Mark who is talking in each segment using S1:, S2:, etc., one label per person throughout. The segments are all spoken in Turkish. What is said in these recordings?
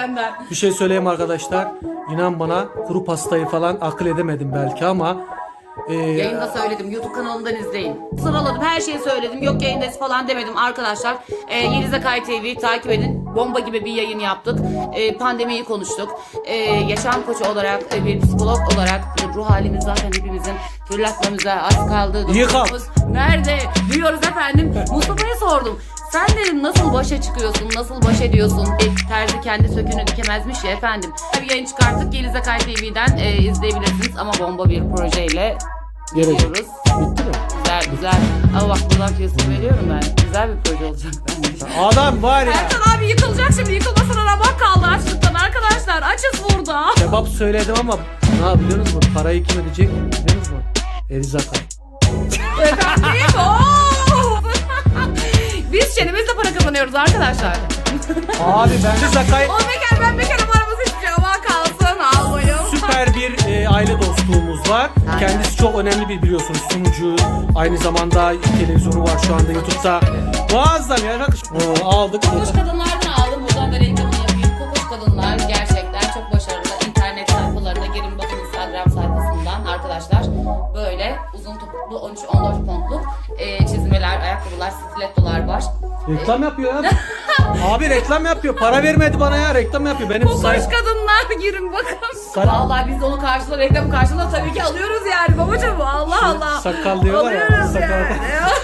S1: benden.
S2: Bir şey söyleyeyim arkadaşlar. İnan bana kuru pastayı falan akıl edemedim belki ama
S1: Yayında söyledim. YouTube kanalından izleyin. Sıraladım. Her şeyi söyledim. Yok yayındayız falan demedim arkadaşlar. Yeliz Akay TV'yi takip edin. Bomba gibi bir yayın yaptık. Pandemiyi konuştuk. Yaşam koçu olarak, bir psikolog olarak ruh halimiz zaten hepimizin fırlatmamıza az kaldı.
S2: Yıkam.
S1: Nerede? Diyoruz efendim. Mustafa'ya sordum. Sen dedim nasıl başa çıkıyorsun, nasıl baş ediyorsun? Terzi kendi söküğünü dikemezmiş ya efendim. Bir yayın çıkarttık. Yeliz Akay TV'den izleyebilirsiniz ama bomba bir projeyle geliyoruz.
S2: Bitti mi?
S1: Güzel güzel. Ama bak buradan kesin veriyorum ben. Güzel bir proje olacak bence.
S2: Adam var ya.
S1: Ertan abi yıkılacak şimdi. Yıkılmasına ramak kaldı açlıktan arkadaşlar. Açız burada.
S2: Kebap söyledim ama ne yapıyorsunuz mu? Parayı kim ödeyecek biliyor musunuz? Yeliz Akay.
S1: Efendim biz çenemizle para kazanıyoruz arkadaşlar.
S2: Abi ben Yeliz Akay
S1: O bekar ben bekarım aramız hiçbir şey ama kalsın almayın.
S2: süper bir aile dostluğumuz var.
S1: Aynen.
S2: Kendisi çok önemli bir biliyorsunuz sunucu. Aynı zamanda televizyonu var şu anda YouTube'da. Muazzam ya. Aldık.
S1: Kokoş kadınlardan aldım. Buradan da reklamını yapayım. Kokoş kadınlar gerçekten çok başarılı. İnternet sayfalarına girin bakın Instagram sayfasından arkadaşlar. Böyle uzun topuklu 13-14 pontluk çizmeler, ayakkabılar, stilettolar var.
S2: Reklam yapıyor ya. Abi reklam yapıyor. Para vermedi bana ya. Reklam yapıyor. Benim
S1: Kokoş kadınlar girin bakın. Vallahi biz de onu karşılığı reklam karşılığı tabii ki alıyoruz yani babacığım. Allah Allah.
S2: sakal diyorlar ya,
S1: Alıyoruz
S2: sakal.
S1: yani.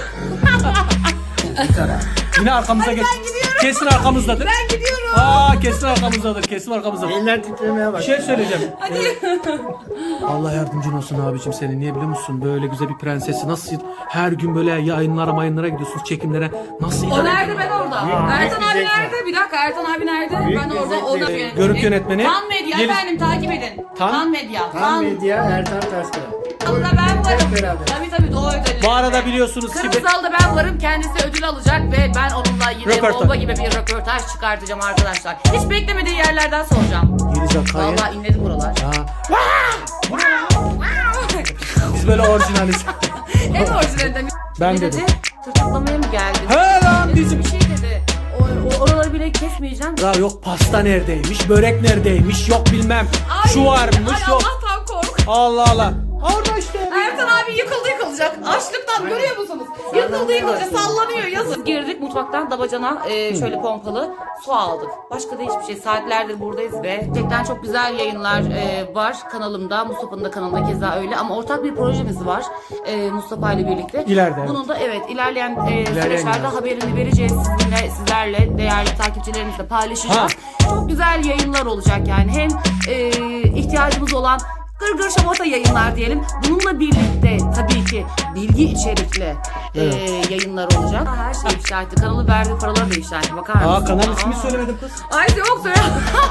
S2: Yine arkamıza geç. Kesin arkamızdadır.
S1: Ben gidiyorum.
S2: Kesin arkamızdadır. Kesin arkamızdadır.
S3: Eller titremeye
S2: Bir
S3: bak.
S2: şey söyleyeceğim. Allah yardımcın olsun abicim senin. Niye biliyor musun? Böyle güzel bir prensesi nasıl her gün böyle yayınlara gidiyorsunuz çekimlere. Nasıl
S1: O nerede ben orada? Ertan abi
S3: zevk var.
S1: nerede? Bir dakika Ertan abi nerede?
S3: Büyük
S1: Ben
S3: bir
S1: orada.
S3: zevk
S1: O da
S3: var.
S1: yönetmeni.
S2: Görüntü yönetmeni.
S1: Tan Medya
S2: Yeliz-
S1: efendim takip edin.
S2: Tan-
S1: Tan Medya.
S3: Tam medya Ertan Taşkıran.
S1: Kanalda ben varım.
S3: Hep beraber.
S1: Tabii doğru ödülü.
S2: Bu arada biliyorsunuz ki
S1: Kırmızı'da ben varım. Kendisi ödül alacak ve ben onunla yine
S2: Röportaj.
S1: bomba gibi bir röportaj çıkartacağım arkadaşlar. Hiç beklemediği yerlerden soracağım.
S2: Yeliz Akay'ı.
S1: Vallahi inledi buralar.
S2: Biz böyle orijinaliz.
S1: En orijinalinden.
S2: Ben
S1: Ne
S2: dedim.
S1: dedi? Tırtıklamaya mı geldin?
S2: He lan
S1: Dedi,
S2: bizim.
S1: bir şey dedi. Oraları bile kesmeyeceğim.
S2: Ya yok pasta neredeymiş, börek neredeymiş, yok bilmem. Şu varmış,
S1: Ay
S2: yok.
S1: Allah'tan kork.
S2: Allah Allah. Orada işte.
S1: Ertan abi yıkılacak. Açlıktan görüyor musunuz? Yıkılacak sallanıyor yazın. Girdik mutfaktan dabacana şöyle pompalı su aldık. Başka da hiçbir şey. Saatlerdir buradayız ve gerçekten çok güzel yayınlar var kanalımda. Mustafa'nın da kanalında keza öyle ama ortak bir projemiz var Mustafa ile birlikte.
S2: İleride, evet.
S1: Bunun da ilerleyen süreçlerde
S2: yayınlar.
S1: haberini vereceğiz sizlerle değerli takipçilerimizle paylaşacağız. Çok güzel yayınlar olacak yani. Hem ihtiyacımız olan gırgır şamata yayınlar diyelim. Bununla birlikte tabii ki bilgi içerikli yayınlar olacak. Her şey ifşa etti. Kanalı verdiği paraları da ifşa etti. Bakar mısın?
S2: Kanal ismi söylemedim kız.
S1: Ay yok söyle.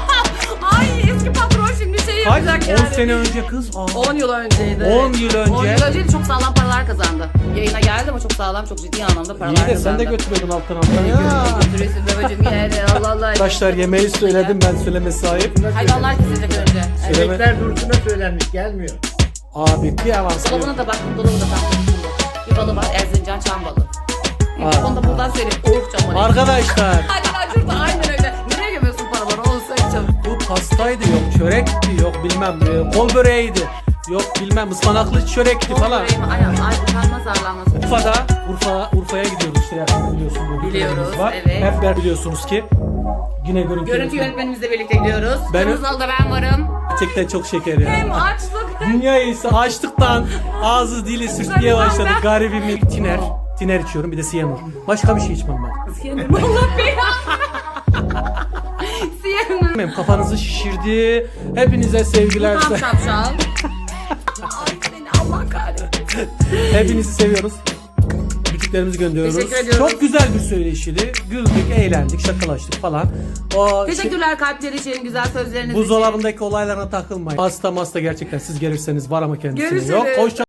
S1: Ay eski patron şimdi şey
S2: Kaç?
S1: yapacak
S2: 10
S1: yani.
S2: sene önce kız.
S1: 10 yıl önceydi.
S2: 10 yıl önce.
S1: 10 yıl önceydi çok sağlam paralar kazandı. Yayına geldi ama çok sağlam çok ciddi anlamda paralar
S2: İyi de
S1: kazandı.
S2: sen de götürüyordun alttan alttan ya.
S1: Götürüyorsun babacım yani Allah Allah.
S2: Arkadaşlar yemeği söyledim ben söyleme sahip.
S1: Hayvanlar kesecek önce.
S2: Söyleme.
S3: Emekler Dursun'a söylenmiş gelmiyor.
S2: Abi bir avans
S1: Dolabına da baktım dolabı da tam bir balı var Erzincan çam balı. Onu da buradan söyleyeyim. Uruk çam balı.
S2: Arkadaşlar
S1: Aynen şurada aynen öyle. Nereye gömüyorsun paraları onu söyle çabuk.
S2: bu pastaydı yok, çörekti yok bilmem kol böreğiydi. Yok bilmem ıspanaklı çörekti falan.
S1: Ay utanmaz arlanmaz.
S2: Urfa'ya gidiyoruz işte yakında biliyorsun.
S1: Biliyoruz,
S2: var.
S1: evet.
S2: Hep beraber biliyorsunuz ki yine görüntü
S1: Görüntü yönetmenimizle birlikte gidiyoruz.
S2: Ben-
S1: Kırmızı'da ben varım.
S2: Gerçekten çok şeker ya.
S1: Hem açlık hem...
S2: Dünya ise açlıktan ağzı dili sürtmeye başladı. Garibim tiner içiyorum bir de siyanur. Başka bir şey içmem ben.
S1: Siyanım Allah belanı. Siyanım.
S2: Benim kafanızı şişirdi. Hepinize sevgiler.
S1: Tam şapşal. Ay seni Allah kahretsin.
S2: Hepinizi seviyoruz. Küçüklerimizi gönderiyoruz.
S1: Teşekkür ediyoruz.
S2: Çok güzel bir söyleşiydi. Güldük, eğlendik, şakalaştık falan. O
S1: Teşekkürler kalpleri için, güzel sözleriniz için.
S2: buzdolabındaki olaylarına takılmayın. Pasta masta gerçekten siz gelirseniz var ama kendisine
S1: Görüşürüz.
S2: yok. Hoşça